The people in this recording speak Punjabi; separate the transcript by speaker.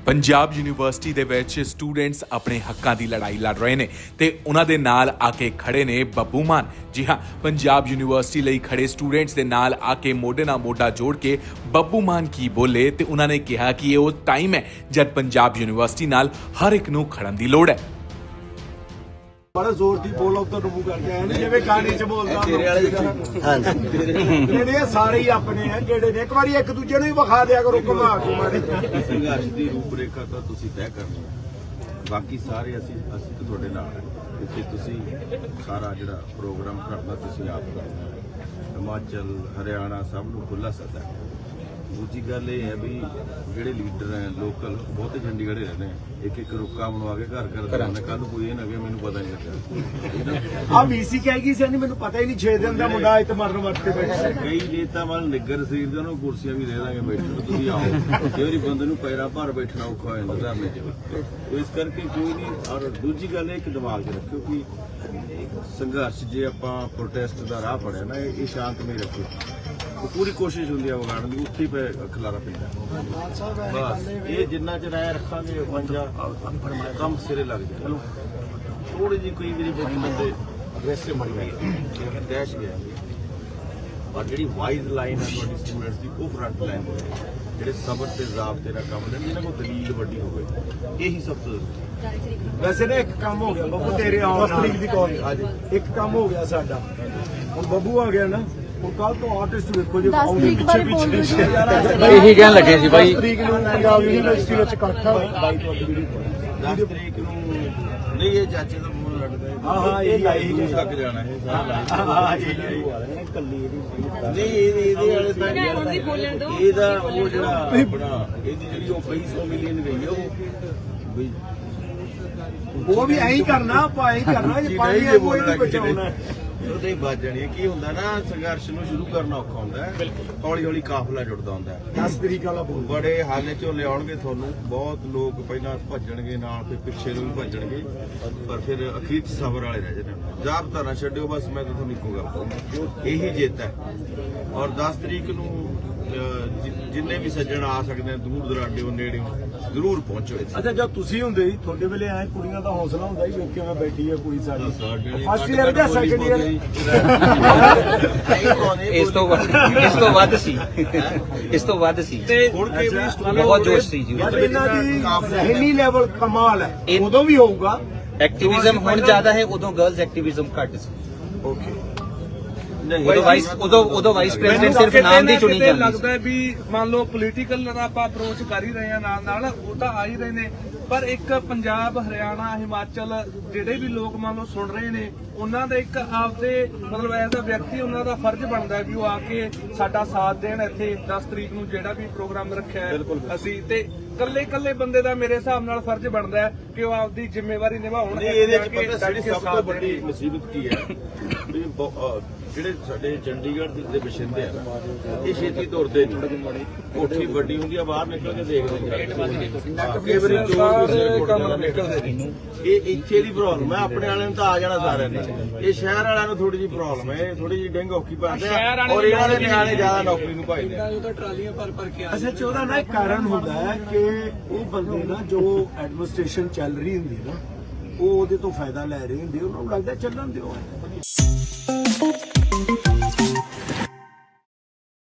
Speaker 1: ਪੰਜਾਬ ਯੂਨੀਵਰਸਿਟੀ ਦੇ ਵਿੱਚ ਸਟੂਡੈਂਟਸ ਆਪਣੇ ਹੱਕਾਂ ਦੀ ਲੜਾਈ ਲੜ ਰਹੇ ਨੇ ਤੇ ਉਹਨਾਂ ਦੇ ਨਾਲ ਆ ਕੇ ਖੜੇ ਨੇ ਬੱਬੂ ਮਾਨ। ਜੀ ਹਾਂ, ਪੰਜਾਬ ਯੂਨੀਵਰਸਿਟੀ ਲਈ ਖੜੇ ਸਟੂਡੈਂਟਸ ਦੇ ਨਾਲ ਆ ਕੇ ਮੋਢੇ ਨਾਲ ਮੋਢਾ ਜੋੜ ਕੇ ਬੱਬੂ ਮਾਨ ਕੀ ਬੋਲੇ ਤੇ ਉਹਨਾਂ ਨੇ ਕਿਹਾ ਕਿ ਇਹ ਉਹ ਟਾਈਮ ਹੈ ਜਦ ਪੰਜਾਬ ਯੂਨੀਵਰਸਿਟੀ ਨਾਲ ਹਰ ਇੱਕ ਨੂੰ ਖੜਨ ਦੀ ਲੋੜ ਹੈ।
Speaker 2: बड़ा जोर दी बोल उधर रूबू करके आए ने जिवें गाने च बोलदा ਜਿਹੜੇ ਸਾਰੇ ਹੀ ਆਪਣੇ ਆ ਜਿਹੜੇ ਨੇ ਇੱਕ ਵਾਰੀ ਇੱਕ ਦੂਜੇ ਨੂੰ ਹੀ ਵਿਖਾ ਦਿਆ ਕਰੋ ਘੁਮਾ ਕੇ ਮਾਰੇ
Speaker 3: ਸੰਘਰਸ਼ ਦੀ ਰੂਪਰੇਖਾ ਤਾਂ ਤੁਸੀਂ ਤੈਅ ਕਰਨੀ ਹੈ, ਬਾਕੀ ਸਾਰੇ ਅਸੀਂ ਤਾਂ ਤੁਹਾਡੇ ਨਾਲ ਹਾਂ ਕਿ ਤੁਸੀਂ ਸਾਰਾ ਜਿਹੜਾ ਪ੍ਰੋਗਰਾਮ ਕਰਨਾ ਤੁਸੀਂ ਆਪ ਕਰਨਾ। ਹਿਮਾਚਲ ਹਰਿਆਣਾ ਸਭ ਨੂੰ ਖੁੱਲ੍ਹਾ ਸੱਦਾ ਹੈ। ਦੂਜੀ ਗੱਲ ਇਹ ਹੈ ਵੀ ਜਿਹੜੇ ਲੀਡਰ ਹੈ ਲੋਕਲ ਬਹੁਤੇ ਚੰਡੀਗੜ੍ਹ ਰਹਿੰਦੇ ਆ, ਇੱਕ ਇੱਕ ਰੁੱਕਾ ਬਣਵਾ ਕੇ ਘਰ ਕਰਾਉਂਦੇ। ਕੱਲ ਕੋਈ ਇਹ ਨਾ ਕਿ ਮੈਨੂੰ ਪਤਾ ਨਹੀਂ ਲੱਗਾ
Speaker 2: ਆ ਵੀਸੀ ਕਹਿ ਗਈ ਸੀ ਮੈਨੂੰ ਪਤਾ ਹੀ ਨਹੀਂ 6 ਦਿਨ ਦਾ ਮੁੰਡਾ ਇੱਥੇ ਮਰਨ ਵਰਤੇ ਬੈਠਾ।
Speaker 3: ਕਈ ਨੇਤਾ ਵੱਲ ਨਿੱਗਰ ਸਰੀਰ ਦੇ ਨੂੰ ਕੁਰਸੀਆਂ ਵੀ ਦੇ ਦਾਂਗੇ ਬੈਠਣ ਨੂੰ, ਤੁਸੀਂ ਆਓ। ਕਈ ਵਾਰੀ ਬੰਦੇ ਨੂੰ ਪੈਰਾਂ ਭਾਰ ਬੈਠਣਾ ਔਖਾ ਹੋ ਜਾਂਦਾ ਧਰਨੇ 'ਚ, ਇਸ ਕਰਕੇ ਕੋਈ ਨਹੀਂ। ਔਰ ਦੂਜੀ ਗੱਲ ਇਹ ਕਿ ਦਿਮਾਗ 'ਚ ਰੱਖਿਓ ਕਿ ਸੰਘਰਸ਼ ਜੇ ਆਪਾਂ ਪ੍ਰੋਟੈਸਟ ਦਾ ਰਾਹ ਫੜਿਆ ਨਾ, ਇਹ ਸ਼ਾਂਤਮਈ ਰੱਖੋ। ਪੂਰੀ ਕੋਸ਼ਿਸ਼ ਹੁੰਦੀ ਹੈ ਵਿਗਾੜਨ ਦੀ, ਉੱਥੇ ਹੀ ਖਿਲਾਰਾ ਪੈਂਦਾ। ਬਸ ਇਹ ਜਿੰਨਾ ਚਿਰ ਆਇਆ ਰੱਖਾਂਗੇ ਪੰਜਾ ਕੰਮ ਸਿਰੇ ਲੱਗ ਜਾਏ। ਚਲੋ ਥੋੜੀ ਜਿਹੀ ਕੋਈ ਮੇਰੀ ਬੰਦੇ ਅਗਰੈਸਿਵ ਬਣ ਗਈ ਲੇਕਿਨ ਦਹਿਸ਼ ਗਿਆ। ਔਰ ਜਿਹੜੀ ਵਾਈਜ਼ ਲਾਈਨ ਹੈ ਤੁਹਾਡੀ ਸਟੂਡੈਂਟਸ ਦੀ, ਉਹ ਫਰੰਟ ਲਾਈਨ ਜਿਹੜੇ ਸਬਰ ਤੇ ਜ਼ਾਬਤੇ ਨਾਲ ਕੰਮ ਲੈਣ, ਜਿਹਨਾਂ ਕੋਲ ਦਲੀਲ ਵੱਡੀ ਹੋਵੇ, ਇਹੀ ਸਭ ਤੋਂ
Speaker 2: ਵੈਸੇ ਨਾ ਇੱਕ ਕੰਮ ਹੋ ਗਿਆ ਬੱਬੂ ਤੇਰੇ ਆਉਣ ਤਰੀਕ ਦੀ ਕਾਲ ਅੱਜ ਇੱਕ ਕੰਮ ਹੋ ਗਿਆ ਸਾਡਾ। ਹੁਣ ਬੱਬੂ ਆ ਗਿਆ ਨਾ, ਹੁਣ ਕੱਲ ਤੋਂ ਆਰਟਿਸਟ ਵੇਖੋ ਜੇ ਆਉਂਦੇ ਪਿੱਛੇ
Speaker 4: ਇਹੀ ਕਹਿਣ ਲੱਗੇ ਸੀ ਬਾਈ।
Speaker 2: 10 ਤਰੀਕ ਨੂੰ ਪੰਜਾਬ ਯੂਨੀਵਰਸਿਟੀ ਵਿੱਚ ਇਕੱਠਾ
Speaker 3: 10 ਤਰੀਕ ਨੂੰ ਨਹੀਂ, ਇਹ ਚਾਚੇ ਦਾ ਮੂੰਹ ਲੜਦਾ ਹੈ।
Speaker 2: ਹਾਂ ਇਹੀ
Speaker 3: ਤੱਕ ਜਾਣਾ ਹੈ।
Speaker 2: ਕੱਲੀ
Speaker 3: ਨਹੀਂ ਇਹਦੇ ਵਾਲੇ ਤਾਂ ਇਹਦਾ ਉਹ ਜਿਹੜਾ ਆਪਣਾ ਇਹਦੀ ਜਿਹੜੀ ਉਹ 200 ਮਿਲੀਅਨ ਗਈ ਹੈ
Speaker 2: ਉਹ ਵੀ ਐਂ ਹੀ ਕਰਨਾ, ਆਪਾਂ ਐਂ ਹੀ ਕਰਨਾ ਜੇ ਪਾਣੀ ਹੈ ਕੋਈ ਨਹੀਂ ਬਚਾਉਣਾ।
Speaker 3: ਉਹਦੇ ਵੱਜ ਜਾਣੀ ਹੈ। ਕੀ ਹੁੰਦਾ ਨਾ, ਸੰਘਰਸ਼ ਨੂੰ ਸ਼ੁਰੂ ਕਰਨਾ ਔਖਾ ਹੁੰਦਾ ਹੈ, ਹੌਲੀ ਹੌਲੀ ਕਾਫਲਾ ਜੁੜਦਾ ਹੁੰਦਾ ਹੈ।
Speaker 2: 10 ਤਰੀਕ ਵਾਲਾ ਬੋਲ
Speaker 3: ਬੜੇ ਹਾਲੇ ਚੋਂ ਲਿਆਉਣਗੇ ਤੁਹਾਨੂੰ, ਬਹੁਤ ਲੋਕ ਪਹਿਲਾਂ ਭੱਜਣਗੇ ਨਾਲ, ਫਿਰ ਪਿੱਛੇ ਨੂੰ ਵੀ ਭੱਜਣਗੇ, ਪਰ ਫਿਰ ਅਖੀਰ 'ਚ ਸਬਰ ਵਾਲੇ ਰਹਿ ਜਾਣੇ। ਜ਼ਾਬਤਾ ਨਾ ਛੱਡਿਓ, ਬਸ ਮੈਂ ਤਾਂ ਤੁਹਾਨੂੰ ਇੱਕੋ ਗੱਲ ਕਹੂੰਗਾ, ਇਹੀ ਜਿੱਤ ਹੈ। ਔਰ 10 ਤਰੀਕ ਨੂੰ ਜਿੰਨੇ ਵੀ ਸੱਜਣ ਆ ਸਕਦੇ ਆ, ਦੂਰ ਦਰਾਡੇ ਨੇੜੇ ਜ਼ਰੂਰ ਪਹੁੰਚੋ।
Speaker 2: ਅੱਛਾ, ਜਦ ਤੁਸੀਂ ਹੁੰਦੇ ਸੀ ਤੁਹਾਡੇ ਵੇਲੇ ਐ ਕੁੜੀਆਂ ਦਾ ਹੌਸਲਾ ਹੁੰਦਾ ਸੀ, ਵੇਖ ਕਿਵੇਂ ਬੈਠੀ ਹੈ ਕੁੜੀ ਸਾਡੀ ਫਸਟ ਈਅਰ ਜਾਂ ਸੈਕੰਡ ਈਅਰ।
Speaker 4: ਇਸ ਤੋਂ ਵੱਧ ਸੀ, ਇਸ ਤੋਂ ਵੱਧ ਸੀ
Speaker 3: ਤੇ ਹੁਣ
Speaker 4: ਬਹੁਤ ਜੋਸ਼ ਸੀ ਜੀ।
Speaker 2: ਇਹਨਾਂ ਦੀ ਜ਼ਹਿਨੀ ਲੈਵਲ ਕਮਾਲ ਹੈ, ਉਦੋਂ ਵੀ ਹੋਊਗਾ।
Speaker 4: ਐਕਟਿਵਿਜ਼ਮ ਹੁਣ ਜ਼ਿਆਦਾ ਹੈ, ਉਦੋਂ ਗਰਲਸ ਐਕਟਿਵਿਜ਼ਮ ਘੱਟ ਸੀ।
Speaker 2: ਓਕੇ,
Speaker 4: ਉਦੋਂ ਵਾਈਸ ਪ੍ਰੈਜ਼ੀਡੈਂਟ ਸਿਰਫ ਨਾਮ ਦੀ ਚੁਣੀ ਜਾਂਦੀ ਸੀ।
Speaker 5: ਲੱਗਦਾ ਹੈ ਵੀ ਮੰਨ ਲਓ ਪੋਲੀਟੀਕਲ ਦਾ ਆਪਾਂ ਅਪਰੋਚ ਕਰ ਹੀ ਰਹੇ ਆ, ਨਾਲ ਉਹ ਤਾਂ ਆ ਹੀ ਰਹੇ ਨੇ, ਪਰ ਇੱਕ ਪੰਜਾਬ ਹਰਿਆਣਾ ਹਿਮਾਚਲ ਜਿਹੜੇ ਵੀ ਲੋਕ ਮੰਨ ਲਓ ਸੁਣ ਰਹੇ ਨੇ, ਉਹਨਾਂ ਦਾ ਇੱਕ ਆਪਦੇ ਮਤਲਬ ਐਜ਼ ਅ ਵਿਅਕਤੀ ਉਹਨਾਂ ਦਾ ਫਰਜ਼ ਬਣਦਾ ਵੀ ਉਹ ਆ ਕੇ ਸਾਡਾ ਸਾਥ ਦੇਣ। ਇੱਥੇ 10 ਤਰੀਕ ਨੂੰ ਜਿਹੜਾ ਵੀ ਪ੍ਰੋਗਰਾਮ ਰੱਖਿਆ ਹੈ ਅਸੀਂ, ਤੇ ਕੱਲੇ ਬੰਦੇ ਦਾ ਮੇਰੇ ਹਿਸਾਬ ਨਾਲ ਫਰਜ਼ ਬਣਦਾ ਹੈ ਕਿ ਉਹ ਆਪਦੀ ਜ਼ਿੰਮੇਵਾਰੀ ਨਿਭਾਉਣ।
Speaker 3: ਇਹਦੇ ਚ ਪਤਾ ਸਾਡੀ ਸਭ ਤੋਂ ਵੱਡੀ ਮੁਸੀਬਤ ਕੀ ਹੈ ਵੀ ਜਿਹੜੇ ਸਾਡੇ ਚੰਡੀਗੜ੍ਹ ਦੇ ਵਸਿੰਦੇ ਆ, ਇਹ ਛੇਤੀ ਤੁਰਦੇ ਨਹੀਂ। ਕੋਠੀ ਵੱਡੀ ਹੁੰਦੀ ਆ, ਬਾਹਰ ਨਿਕਲ ਕੇ ਦੇਖਦੇ ਇਹ ਇੱਥੇ ਦੀ ਪ੍ਰੋਬਲਮ ਹੈ। ਆਪਣੇ ਵਾਲਿਆਂ ਨੂੰ ਤਾਂ ਆ ਜਾਣਾ ਸਾਰਿਆਂ ਨੇ, ਇਹ ਸ਼ਹਿਰ ਵਾਲਿਆਂ ਨੂੰ ਥੋੜੀ ਜਿਹੀ ਪ੍ਰੋਬਲਮ ਹੈ, ਥੋੜੀ ਜਿਹੀ ਡਿੰਗ ਔਖੀ ਪਾਉਂਦੇ ਆ, ਔਰ ਇਹਨਾਂ ਦੇ ਨਿਆਣੇ ਜ਼ਿਆਦਾ ਨੌਕਰੀ ਨੂੰ ਭਾਈਦੇ ਆ।
Speaker 2: ਅੱਛਾ, ਉਹਦਾ ਨਾ ਇੱਕ ਕਾਰਨ ਹੁੰਦਾ ਹੈ ਕਿ ਉਹ ਬੰਦੇ ਨਾ ਜੋ ਐਡਮਿਨਿਸਟ੍ਰੇਸ਼ਨ ਚੱਲ ਰਹੀ ਹੁੰਦੀ ਨਾ, ਉਹ ਉਹਦੇ ਤੋਂ ਫਾਇਦਾ ਲੈ ਰਹੇ ਹੁੰਦੇ, ਉਹਨਾਂ ਨੂੰ ਲੱਗਦਾ ਚੱਲਣ ਦਿਓ।